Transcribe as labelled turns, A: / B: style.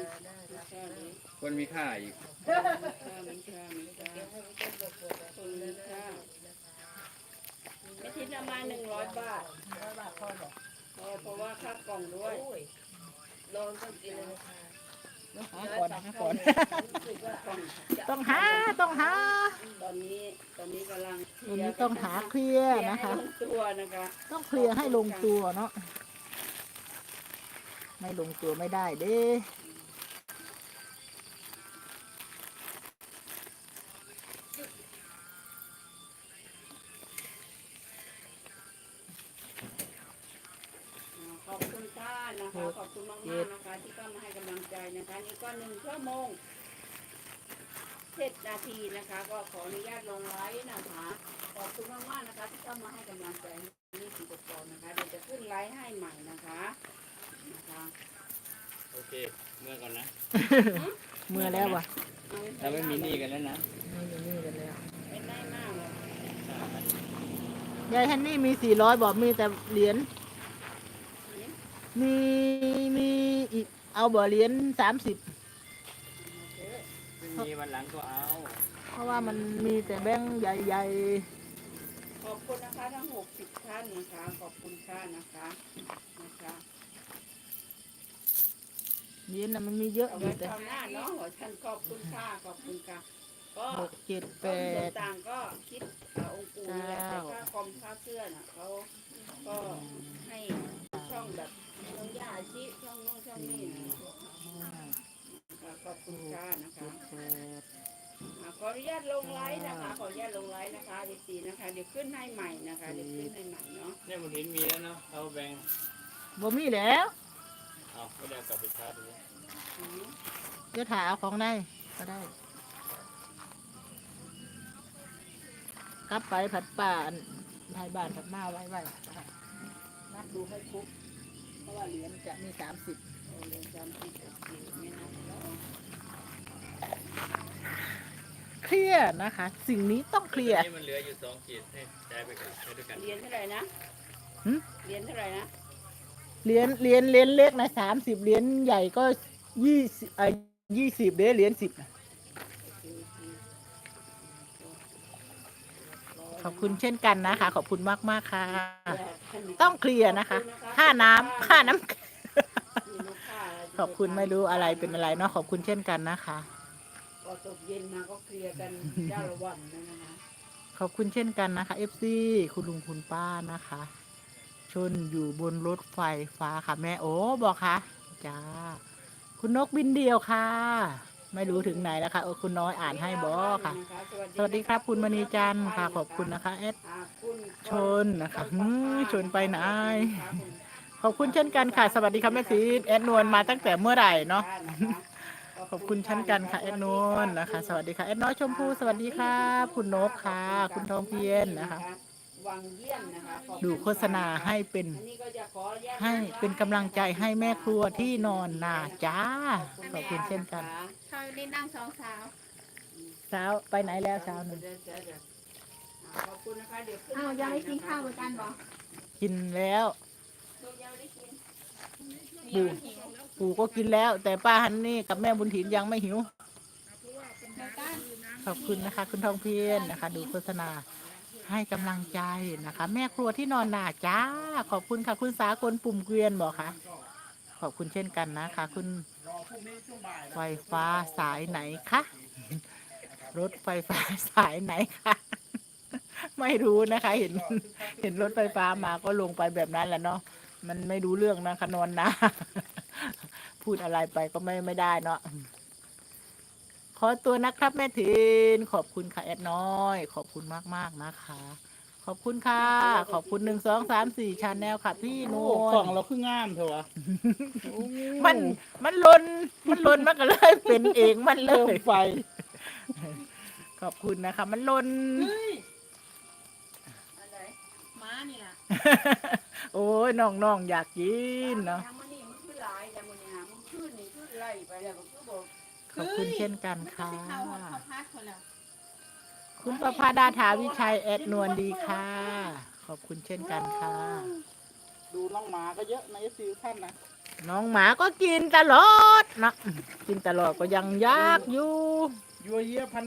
A: คนมีค่าอีก
B: มันค่าคนมีค่าไม่ทิ้งประมาณ100 บาทเพราะว่าค่ากล่องด้วยโดนต้องกินเลย
C: หาก่อนต้องหา
B: ตอนนี้กำลัง
C: วันนี้ต้องหาเคลียร์นะคะ
B: ตัวนะคะ
C: ต้องเคลียร์ให้ลงตัวเนาะไม่ลงตัวไม่ได้เด้
B: ขอบคุณค่ะนะคะขอบคุณมากๆนะคะที่เข้ามาให้กำลังใจนะคะนี่ก็1 ชั่วโมง7 นาทีนะคะก็ขออนุญาตลงไลฟ์นะคะขอบคุณมากๆนะคะที่เข้ามาให้กำลังใจนี่สีกระปอนนะคะเดี๋ยวจะขึ้นไลฟ์ให้ใหม่นะคะ
A: โอเคเมื่อก่อนนะ
C: เมื่อแล้ววะ
A: เราไม่มีหนี้กันแล้วนะ
C: ไม่มีหนี้กันแล้ว
B: เป็นได้มากเลย
C: ยายฮันนี่มี400บอกมีแต่เหรียญมีอีกเอาบ่เหรียญ30
A: ไม่มีวันหลังก็เอา
C: เพราะว่ามันมีแต่แบงค์ใหญ่
B: ขอบคุณนะคะทั้ง60 ท่านนะคะขอบคุณค่ะนะคะ
C: เหรียญน่ะมันมีเยอะ
B: เอาไว้
C: อยู่แต่
B: คราวหน้าเนาะหัวฉันขอบคุณค่ะขอบคุณค่ะก็
C: 6 7
B: ส่วน
C: 8
B: ต่างก็คิดองค์ปู่นี่แหละแต่ค่าคอมค่าเสื้อน่ะเขาก็ให้ช่องแบบช่องยาชีช่องโน้นช่องนี้นะขอบคุณค่ะนะคะขออนุญาตลงไลฟ์นะคะขออนุญาตลงไลฟ์นะคะดีๆนะคะเดี๋ยวขึ้นให้ใหม่นะคะเดี๋ยวขึ้นให้ใหม่เนาะ
A: เนี่ยมันเห็นมีแล้วเนาะเอาแบงค์
C: บ่มีแล้ว
A: เอาไม่ได้กลับไปชาร์จเลย
C: เดี๋ยวถ่ายเอาของได้ก็ได้กลับไปผัดป่าไทยบ้านผัดมาไว้นับดูให้ครบเพราะว่าเหรียญจะมี30
B: เหรียญ30ไม่นับแล้ว
C: เคลียร์นะคะสิ่งนี้ต้องเคลียร์
A: นี่มันเหลืออยู่2 ขีดให้ใจไปกันให้ด้วยกัน
B: เหรียญเท่าไหร่นะเหรียญเท่าไหร่นะ
C: เหรียญเล็กนะ30เหรียญใหญ่ก็20เด้เหรียญ10นะขอบคุณเช่นกันนะคะขอบคุณมากค่ะต้องเคลียร์นะคะค่าน้ำขอบคุณไม่รู้อะไรเป็นอะไรเนาะขอบคุณเช่นกันนะคะ
B: พอตกเย็นมาก็เคลียร์กันเจ้าละวันนะคะ
C: ขอบคุณเช่นกันนะคะ FC คุณลุงคุณป้านะคะชนอยู่บนรถไฟฟ้าค่ะแม่โอ้บอกค่ะจ้าคุณนกบินเดียวค่ะไม่รู้ถึงไหนแล้วค่ะคุณน้อยอ่านให้บอค่ะสวัสดีครับคุณมณีจันทร์ค่ะขอบคุณนะคะแอดชนนะคะชนไปไหนขอบคุณเช่นกันค่ะสวัสดีค่ะแม่ซีแอดนวลมาตั้งแต่เมื่อไหร่เนาะขอบคุณเช่นกันค่ะแอดนวลนะคะสวัสดีค่ะแอดน้อยชมพู่สวัสดีค่ะคุณนกค่ะคุณทองเพียรนะคะดูโฆษณาให้เป็นกำลังใจให้แม่ครัวที่นอนนาจ้าขอบคุณเช่นกัน
B: เขาได้นั่ง2
C: สาวไปไหนแล้วสาวหนึ่ง
B: ขอบคุณนะคะเดี๋ยวขึ้นยังไม่กินข้าวเหมือนกันบ่
C: กินแล้วปู่ก็กินแล้วแต่ป้าฮันนี่กับแม่บุญถิ่นยังไม่หิวขอบคุณนะคะคุณทองเพียรนะคะดูโฆษณาให้กำลังใจนะคะแม่ครัวที่นอนนาจ้าขอบคุณค่ะคุณสากลปุ่มเกวียนบอกค่ะขอบคุณเช่นกันนะคะคุณไฟฟ้าสายไหนคะรถไฟฟ้าสายไหนคะไม่รู้นะคะเห็นรถไฟฟ้ามาก็ลงไปแบบนั้นแหละเนาะมันไม่รู้เรื่องนะคะนอนนาพูดอะไรไปก็ไม่ได้เนาะขอตัวนะครับแม่ถินขอบคุณค่ะแอดน้อยขอบคุณมากนะคะขอบคุณค่ะขอบคุณ1 2 3 4ชาแนลค่ะพี่นวล
A: กล่องเราคืองามเถอะวะ
C: มันลนมันก็เลยเป็นเองมันเลยไฟขอบคุณนะคะมันลน
B: ม้านี่ล่ะ
C: โอ้ยน้องอยากกินเนาะขอบคุณเช่นกันค่ะคุณประภาดาถาวิชัยแอดนวลดีค่ะขอบคุณเช่นกันค่ะดูน้องหมาก็เยอะในซีท่านนะน้องหมาก็กินตลอดนะกินตลอดก็ยังยากอยู่
A: ยัวเยียพัน